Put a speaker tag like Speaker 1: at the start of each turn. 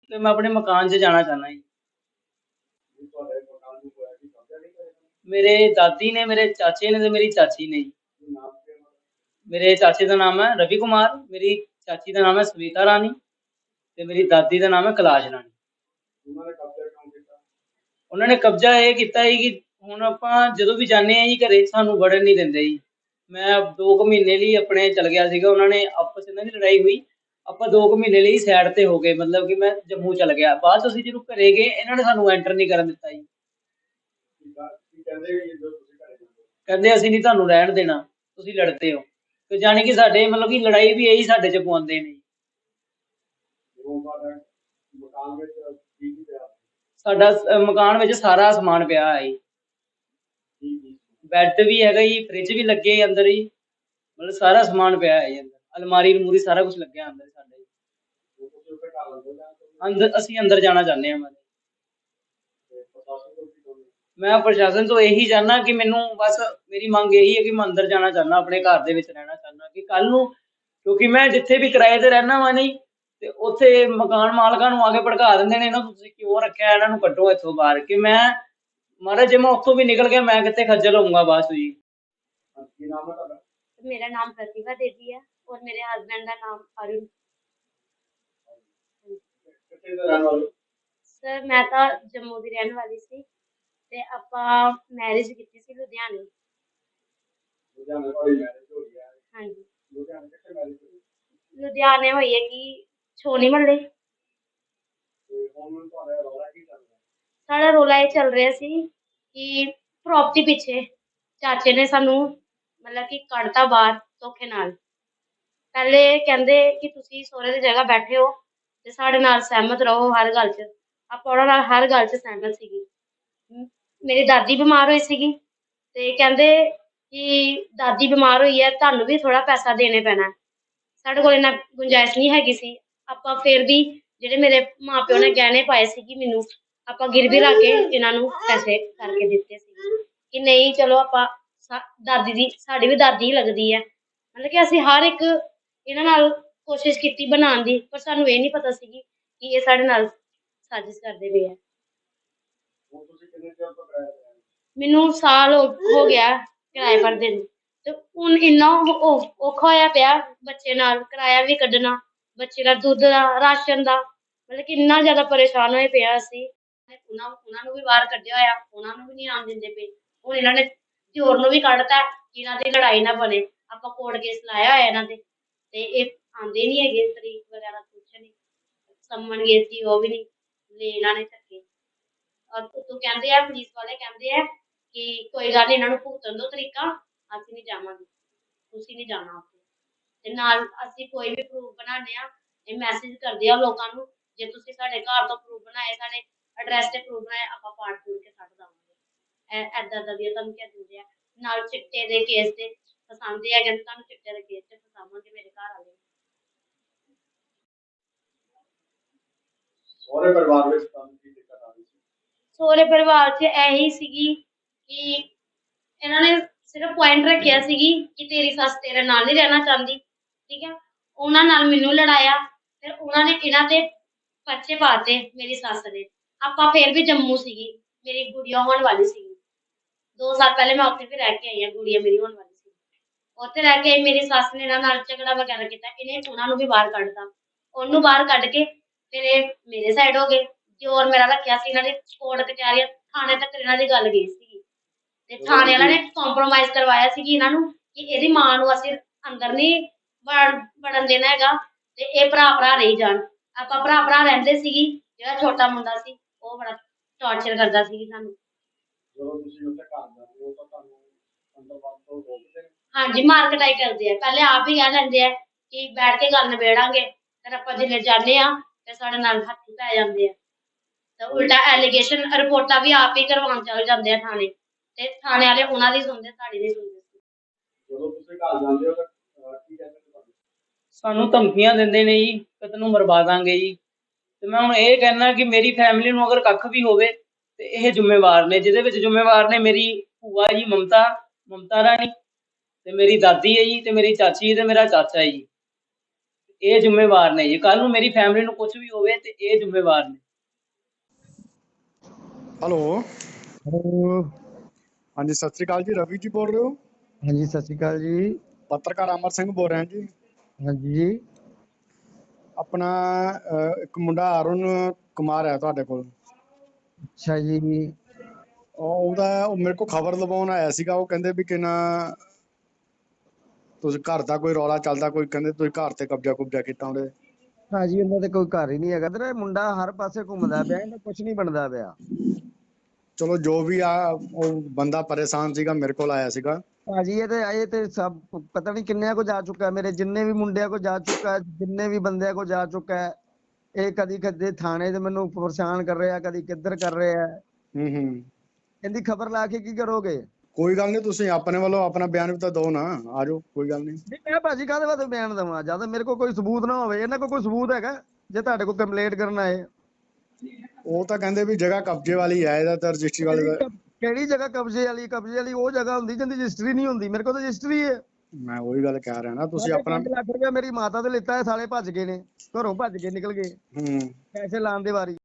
Speaker 1: ਤੇ ਮੈਂ ਆਪਣੇ ਮਕਾਨ 'ਚ ਜਾਣਾ ਚਾਹੁੰਦਾ ਜੀ। ਮੇਰੇ ਦਾਦੀ ਨੇ, ਮੇਰੇ ਚਾਚੇ ਨੇ ਤੇ ਮੇਰੀ ਚਾਚੀ ਨੇ ਜੀ। ਮੇਰੇ ਚਾਚੇ ਦਾ ਨਾਮ ਹੈ ਰਵੀ ਕੁਮਾਰ, ਮੇਰੀ ਚਾਚੀ ਦਾ ਨਾਮ ਹੈ ਸਵੀਤਾ ਰਾਣੀ ਤੇ ਮੇਰੀ ਦਾਦੀ ਦਾ ਨਾਮ ਹੈ ਕੈਲਾਸ਼ ਰਾਣੀ। ਉਹਨਾਂ ਨੇ ਕਬਜ਼ਾ ਇਹ ਕੀਤਾ ਸੀ ਕਿ ਹੁਣ ਆਪਾਂ ਜਦੋਂ ਵੀ ਜਾਂਦੇ ਹਾਂ ਜੀ ਘਰੇ ਸਾਨੂੰ ਵੜਨ ਨਹੀਂ ਦਿੰਦੇ ਜੀ। ਮੈਂ 2 ਕੁ ਮਹੀਨੇ ਲਈ ਆਪਣੇ ਚਲ ਗਿਆ ਸੀਗਾ, ਉਹਨਾਂ ਨੇ ਆਪਸ ਇਹਨਾਂ ਦੀ ਲੜਾਈ ਹੋਈ, ਆਪਾਂ 2 ਕੁ ਮਹੀਨੇ ਲਈ ਸਾਈਡ ਤੇ ਹੋ ਗਏ, ਮਤਲਬ ਕਿ ਮੈਂ ਜੰਮੂ ਚਲ ਗਿਆ। ਬਾਅਦ 'ਚ ਅਸੀਂ ਜਦੋਂ ਘਰੇ ਗਏ ਇਹਨਾਂ ਨੇ ਸਾਨੂੰ ਐਂਟਰ ਨਹੀਂ ਕਰਨ ਦਿੱਤਾ ਜੀ। ਕਹਿੰਦੇ ਅਸੀਂ ਨਹੀਂ ਤੁਹਾਨੂੰ ਰਹਿਣ ਦੇਣਾ, ਤੁਸੀਂ ਲੜਦੇ ਹੋ। ਤੇ ਜਾਣੀ ਕਿ ਸਾਡੇ ਮਤਲਬ ਕਿ ਲੜਾਈ ਵੀ ਇਹੀ ਸਾਡੇ 'ਚ ਪਵਾਉਂਦੇ ਨੇ। ਸਾਡਾ ਮਕਾਨ ਵਿੱਚ ਸਾਰਾ ਸਮਾਨ ਪਿਆ ਹੈ ਜੀ। ਬੈੱਡ ਵੀ ਹੈਗਾ ਜੀ, ਫ੍ਰਿਜ ਵੀ ਲੱਗੇ ਅੰਦਰ ਜੀ, ਮਤਲਬ ਸਾਰਾ ਸਮਾਨ ਪਿਆ ਹੈ ਜੀ ਅੰਦਰ। ਅਲਮਾਰੀ ਅਲਮੂਰੀ ਸਾਰਾ ਕੁਛ ਲੱਗਿਆ ਅੰਦਰ ਸਾਡੇ। ਅੰਦਰ ਅਸੀਂ ਅੰਦਰ ਜਾਣਾ ਚਾਹੁੰਦੇ ਹਾਂ। ਮੈਂ ਪ੍ਰਸ਼ਾਸਨ ਤੋਂ ਇਹੀ ਚਾਹੁੰਦਾ ਕਿ ਮੈਨੂੰ ਬਸ ਮੇਰੀ ਮੰਗ ਇਹੀ ਹੈ ਕਿ ਮੈਂ ਅੰਦਰ ਜਾਣਾ ਚਾਹੁੰਦਾ, ਆਪਣੇ ਘਰ ਦੇ ਵਿੱਚ ਰਹਿਣਾ ਚਾਹੁੰਦਾ ਕਿ ਕੱਲ ਨੂੰ, ਕਿਉਂਕਿ ਮੈਂ ਜਿੱਥੇ ਵੀ ਕਿਰਾਏ ਤੇ ਰਹਿਣਾ ਵਾ ਨਹੀਂ ਤੇ ਉੱਥੇ ਮਕਾਨ ਮਾਲਕਾਂ ਨੂੰ ਆ ਕੇ ਭੜਕਾ ਦਿੰਦੇ ਨੇ, ਇਹਨਾਂ ਨੂੰ ਤੁਸੀਂ ਕਿਉਂ ਰੱਖਿਆ, ਇਹਨਾਂ ਨੂੰ ਕੱਢੋ ਇੱਥੋਂ ਬਾਹਰ। ਕਿ ਮੈਂ ਮਹਾਰਾਜ ਜੇ ਮੈਂ ਉੱਥੋਂ ਵੀ ਨਿਕਲ ਗਿਆ ਮੈਂ ਕਿੱਥੇ ਖੱਜਲ ਹੋਊਂਗਾ ਬਾਅਦ 'ਚ ਜੀ।
Speaker 2: मेरा नाम प्रतिभा देवी है और मेरे हस्बैंड का नाम अरुण। सर मैं तो जम्मू की रहने वाली सी ते आपां मैरिज कीती सी लुधियाने। हाँ जी लुधियाने होई है कि छोनी महल्ले। साढ़ा रोला ये चल रहा सी कि प्रॉपर्टी पिछे चाचे ने सानू मतलब कि कढ़ता बाहर धोखे नाल। पहले कहंदे कि तुसी सोहरे दी जगह बैठे हो ते साढ़े नाल सहमत रहो हर गल च। आपां उहनां नाल हर गल च सहमत सीगी। मेरी दादी बीमार होई सीगी ते कहंदे कि दादी बीमार होई है तुहानू भी थोड़ा पैसा देने पैना। साढ़े कोल इन्ना गुंजाइश नहीं हैगी सी। आपां फिर भी जेहड़े मेरे माँ प्यो ने गहने पाए सीगी मैनू आपां गिरवी रख के इन्हां नू पैसे करके दित्ते सीगे कि नहीं चलो आपां दादी दी साडी भी दादी ही लगदी है। मतलब कि असीं हर एक इन्हां नाल कोशिश कीती बनाउण दी, पर सानू ये नहीं पता सीगी कि ये साढ़े नाल साजिश करदे पे है। मैनू साल हो गया किराए पर देने ते हुण इन्ना औखा होया पिया बच्चे नाल किराया भी कड्ढना, बच्चे दा दुद्ध दा राशन दा, मतलब कि इन्ना ज़्यादा परेशान होए पे आ असीं। उन्हां नू भी बाहर कड्ढिया होया, उन्हां नू भी नहीं आउण दिंदे पे। हुण इन्हां ने दिओर नू भी कड्ढता कि इन्हां दी लड़ाई ना बने। आपां कोर्ट केस लाया होया इन्हां ते ते एह् आंदे नहीं हैगे, तरीक वगैरह कुछ नहीं। सम्मन गए सी ओह भी नहीं ले इन्हां ने धक्के। और तो कहंदे आ पुलिस वाले कहंदे आ कि कोई गल नहीं इन्हां नू भुगतण दो तरीका, असीं नहीं जावांगे, तुसीं नहीं जाना उत्थे। ते नाल असीं कोई भी प्रूफ बनाने आ ਇਹ ਮੈਸੇਜ ਕਰਦੇ ਆ ਲੋਕਾਂ ਨੂੰ ਜੇ ਤੁਸੀਂ ਸਾਡੇ ਘਰ ਤੋਂ ਪ੍ਰੂਫ ਬਣਾਏ, ਸਾਡੇ ਐਡਰੈਸ ਤੇ ਪ੍ਰੂਫ ਬਣਾਏ, ਆਪਾਂ ਪਾੜ ਪੂੜ ਕੇ ਕੱਢ ਦਾਂਗੇ। ਐਦਾਂ ਦਾ ਵੀ ਤੁਹਾਨੂੰ ਕਹਿ ਦਿੰਦੇ ਆ। ਨਾਲ ਚਿੱਟੇ ਦੇ ਕੇਸ ਤੇ ਫਸਾਉਂਦੇ ਆ, ਕਹਿੰਦੇ ਤੁਹਾਨੂੰ ਚਿੱਟੇ ਦੇ ਕੇਸ ਤੇ ਫਸਾਵਾਂਗੇ ਮੇਰੇ ਘਰ ਵਾਲੇ। ਸਹੁਰੇ ਪਰਿਵਾਰ ਵਿੱਚ ਤੁਹਾਨੂੰ ਕੀ ਦਿੱਕਤ ਆ ਰਹੀ ਸੀ? ਸਹੁਰੇ ਪਰਿਵਾਰ 'ਚ ਇਹੀ ਸੀਗੀ ਕਿ ਇਹਨਾਂ ਨੇ ਸਿਰਫ ਪੁਆਇੰਟ ਰੱਖਿਆ ਸੀਗੀ ਕਿ ਤੇਰੀ ਸੱਸ ਤੇਰੇ ਨਾਲ ਨਹੀਂ ਰਹਿਣਾ ਚਾਹੁੰਦੀ, ਠੀਕ ਹੈ। ਉਹਨਾਂ ਨਾਲ ਮੈਨੂੰ ਲੜਾਇਆ, ਫਿਰ ਉਹਨਾਂ ਨੇ ਇਹਨਾਂ ਤੇ ਪਰਚੇ ਪਾਤੇ ਮੇਰੀ ਸੱਸ ਨੇ। ਆਪਾਂ ਫਿਰ ਵੀ ਜੰਮੂ ਸੀਗੀ, ਮੇਰੀ ਗੁੜੀਆ ਹੋਣ ਵਾਲੀ ਸੀਗੀ। 2 ਸਾਲ ਪਹਿਲੇ ਮੈਂ ਉੱਥੇ ਵੀ ਰਹਿ ਕੇ ਆਈ ਹਾਂ, ਗੁੜੀਆ ਮੇਰੀ ਹੋਣ ਵਾਲੀ ਸੀ। ਉੱਥੇ ਰਹਿ ਕੇ ਮੇਰੀ ਸੱਸ ਨੇ ਇਹਨਾਂ ਨਾਲ ਝਗੜਾ ਵਗੈਰਾ ਕੀਤਾ, ਇਹਨੇ ਉਹਨਾਂ ਨੂੰ ਵੀ ਬਾਹਰ ਕੱਢਤਾ। ਉਹਨੂੰ ਬਾਹਰ ਕੱਢ ਕੇ ਫਿਰ ਇਹ ਮੇਰੇ ਸਾਈਡ ਹੋ ਗਏ। ਦਿਓਰ ਮੇਰਾ ਰੱਖਿਆ ਸੀ ਇਹਨਾਂ ਨੇ, ਕੋਰਟ ਕਚਹਿਰੀਆਂ ਥਾਣੇ ਤੱਕ ਇਹਨਾਂ ਦੀ ਗੱਲ ਗਈ ਸੀਗੀ ਤੇ ਥਾਣੇ ਵਾਲਿਆਂ ਨੇ ਕੰਪਰੋਮਾਈਜ਼ ਕਰਵਾਇਆ ਸੀ ਕਿ ਇਹਨਾਂ ਨੂੰ ਕਿ ਇਹਦੀ ਮਾਂ ਨੂੰ ਅਸੀਂ ਅੰਦਰ ਨਹੀਂ ਵੜਨ ਦੇਣਾ ਹੈਗਾ ਤੇ ਇਹ ਭਰਾ ਰਹੀ ਜਾਣ। ਆਪਾਂ ਭਰਾ ਰਹਿੰਦੇ ਸੀਗੀ। ਜਿਹੜਾ ਛੋਟਾ ਮੁੰਡਾ ਸੀ ਉਹ ਬੜਾ ਟਾਰਚਰ ਕਰਦਾ ਸੀ ਸਾਨੂੰ। ਹਾਂਜੀ ਮਾਰ ਕਟਾਈ ਕਰਦੇ ਆ, ਪਹਿਲੇ ਆਪ ਹੀ ਕਹਿ ਲੈਂਦੇ ਆ ਕਿ ਬੈਠ ਕੇ ਗੱਲ ਨਿਬੇੜਾਂਗੇ, ਫਿਰ ਆਪਾਂ ਜਿਵੇਂ ਜਾਂਦੇ ਆ ਤੇ ਸਾਡੇ ਨਾਲ ਹੱਥ ਪੈ ਜਾਂਦੇ ਆ ਤੇ ਉਲਟਾ ਐਲੀਗੇਸ਼ਨ ਰਿਪੋਰਟਾਂ ਵੀ ਆਪ ਹੀ ਕਰਵਾਉਣ ਚੱਲ ਜਾਂਦੇ ਆ ਥਾਣੇ ਤੇ ਥਾਣੇ ਵਾਲੇ ਉਹਨਾਂ ਦੀ ਸੁਣਦੇ, ਸਾਡੀ ਨਹੀਂ ਸੁਣਦੇ। ਜਦੋਂ ਤੁਸੀਂ ਘਰ ਜਾਂਦੇ ਹੋ ਤਾਂ ਕੀ ਕਹਿੰਦੇ ਤੁਹਾਨੂੰ? ਸਾਨੂੰ ਧਮਕੀਆਂ ਦਿੰਦੇ ਨੇ ਜੀ ਕਿ ਤੈਨੂੰ ਮਰਵਾ ਦਾਂਗੇ ਜੀ। ਤੇ ਮੈਂ ਹੁਣ ਇਹ ਕਹਿਣਾ ਕਿ ਮੇਰੀ ਫੈਮਿਲੀ ਨੂੰ ਅਗਰ ਕੱਖ ਵੀ ਹੋਵੇ ਤੇ ਇਹ ਜ਼ਿੰਮੇਵਾਰ ਨੇ, ਜਿਹਦੇ ਵਿੱਚ ਜ਼ਿੰਮੇਵਾਰ ਨੇ ਮੇਰੀ ਭੂਆ ਜੀ ਮਮਤਾ ਰਾਣੀ ਤੇ ਮੇਰੀ ਦਾਦੀ ਹੈ ਜੀ ਤੇ ਮੇਰੀ ਚਾਚੀ ਤੇ ਮੇਰਾ ਚਾਚਾ ਹੈ ਜੀ।
Speaker 1: ਇਹ ਜ਼ਿੰਮੇਵਾਰ ਨੇ ਜੀ। ਕੱਲ ਨੂੰ ਮੇਰੀ ਫੈਮਿਲੀ ਨੂੰ ਕੁਝ ਵੀ ਹੋਵੇ ਤੇ ਇਹ ਜ਼ਿੰਮੇਵਾਰ ਨੇ।
Speaker 3: Hello,
Speaker 4: hello.
Speaker 3: ਹਾਂਜੀ ਸਤਿ ਸ੍ਰੀ ਅਕਾਲ ਜੀ। ਰਵੀ ਜੀ ਬੋਲ ਰਹੇ ਹੋ?
Speaker 4: ਹਾਂਜੀ ਸਤਿ ਸ਼੍ਰੀ ਅਕਾਲ ਜੀ।
Speaker 3: ਪੱਤਰਕਾਰ ਅਮਰ ਸਿੰਘ ਬੋਲ ਰਿਹਾ ਜੀ।
Speaker 4: ਹਾਂਜੀ
Speaker 3: ਆਪਣਾ ਇੱਕ ਮੁੰਡਾ ਅਰੁਣ ਕੁਮਾਰ ਹੈ ਤੁਹਾਡੇ ਕੋਲ।
Speaker 4: ਅੱਛਾ ਜੀ।
Speaker 3: ਉਹ ਮੇਰੇ ਕੋਲ ਖਬਰ ਲਵਾਉਣ ਆਇਆ ਸੀਗਾ। ਉਹ ਕਹਿੰਦੇ ਵੀ ਕਿ ਨਾ ਤੁਸੀਂ ਘਰ ਦਾ ਕੋਈ ਰੌਲਾ ਚੱਲਦਾ, ਕੋਈ ਕਹਿੰਦੇ ਤੁਸੀਂ ਘਰ ਤੇ ਕਬਜ਼ਾ ਕੀਤਾ ਉਹਦੇ।
Speaker 4: ਭਾਜੀ ਉਹਨਾਂ ਦੇ ਕੋਈ ਘਰ ਹੀ ਨਹੀਂ ਹੈਗਾ। ਤੇ ਮੁੰਡਾ ਹਰ ਪਾਸੇ ਘੁੰਮਦਾ ਪਿਆ, ਇਹਦਾ ਕੁਝ ਨਹੀਂ ਬਣਦਾ ਪਿਆ।
Speaker 3: ਚਲੋ ਜੋ ਵੀ ਆ, ਉਹ ਬੰਦਾ ਪਰੇਸ਼ਾਨ ਸੀਗਾ, ਮੇਰੇ ਕੋਲ ਆਇਆ ਸੀਗਾ।
Speaker 4: ਭਾਜੀ ਇਹ ਤੇ ਸਭ ਪਤਾ ਨਹੀਂ ਕਿੰਨਿਆਂ ਕੋ ਜਾ ਚੁੱਕਾ, ਮੇਰੇ ਜਿੰਨੇ ਵੀ ਮੁੰਡਿਆਂ ਕੋ ਜਾ ਚੁੱਕਾ, ਜਿੰਨੇ ਵੀ ਬੰਦਿਆਂ ਕੋ ਜਾ ਚੁੱਕਾ ਹੈ। ਇਹ ਕਦੀ ਕਦੇ ਥਾਣੇ ਤੇ ਮੈਨੂੰ ਪਰੇਸ਼ਾਨ ਕਰ ਰਿਹਾ, ਕਦੀ ਕਿੱਧਰ ਕਰ ਰਿਹਾ। ਇਹਦੀ ਖਬਰ ਲਾ ਕੇ ਕੀ ਕਰੋਗੇ?
Speaker 3: ਕੋਈ ਗੱਲ ਨਹੀਂ, ਤੁਸੀਂ ਆਪਣੇ ਵੱਲੋਂ ਆਪਣਾ ਬਿਆਨ ਵੀ ਤਾਂ ਦਿਓ ਨਾ। ਆ ਜਾਓ, ਕੋਈ ਗੱਲ ਨਹੀਂ।
Speaker 4: ਮੈਂ ਭਾਜੀ ਕਾਹਦੇ ਵਾਸਤੇ ਬਿਆਨ ਦੇਵਾਂ ਜਦ ਮੇਰੇ ਕੋਲ ਕੋਈ ਸਬੂਤ ਨਾ ਹੋਵੇ? ਇਹਨਾਂ ਕੋਲ ਕੋਈ ਸਬੂਤ ਹੈਗਾ ਜੇ ਤੁਹਾਡੇ ਕੋਲ ਕੰਪਲੇਂਟ ਕਰਨ ਆਏ?
Speaker 3: ਉਹ ਤਾਂ ਕਹਿੰਦੇ ਵੀ ਜਗ੍ਹਾ ਕਬਜ਼ੇ ਵਾਲੀ ਹੈ, ਇਹਦਾ ਤਾਂ ਰਜਿਸਟਰੀ ਵਾਲੇ ਦਾ।
Speaker 4: ਕਿਹੜੀ ਜਗ੍ਹਾ ਕਬਜ਼ੇ ਵਾਲੀ ਉਹ ਜਗ੍ਹਾ ਹੁੰਦੀ ਜਿੰਦੀ ਰਜਿਸਟਰੀ ਨਹੀਂ ਹੁੰਦੀ। ਮੇਰੇ ਕੋਲ ਤਾਂ ਰਜਿਸਟਰੀ ਹੈ।
Speaker 3: ਮੈਂ ਉਹੀ ਗੱਲ ਕਹਿ ਰਿਹਾ ਨਾ, ਤੁਸੀਂ ਆਪਣਾ
Speaker 4: 5 ਲੱਖ ਰੁਪਇਆ ਮੇਰੀ ਮਾਤਾ ਤੋਂ ਲਿੱਤਾ ਹੈ, ਸਾਲੇ ਭੱਜ ਗਏ ਨੇ, ਘਰੋਂ ਭੱਜ ਕੇ ਨਿਕਲ ਗਏ ਪੈਸੇ ਲਾਉਣ ਦੇ ਵਾਰੀ।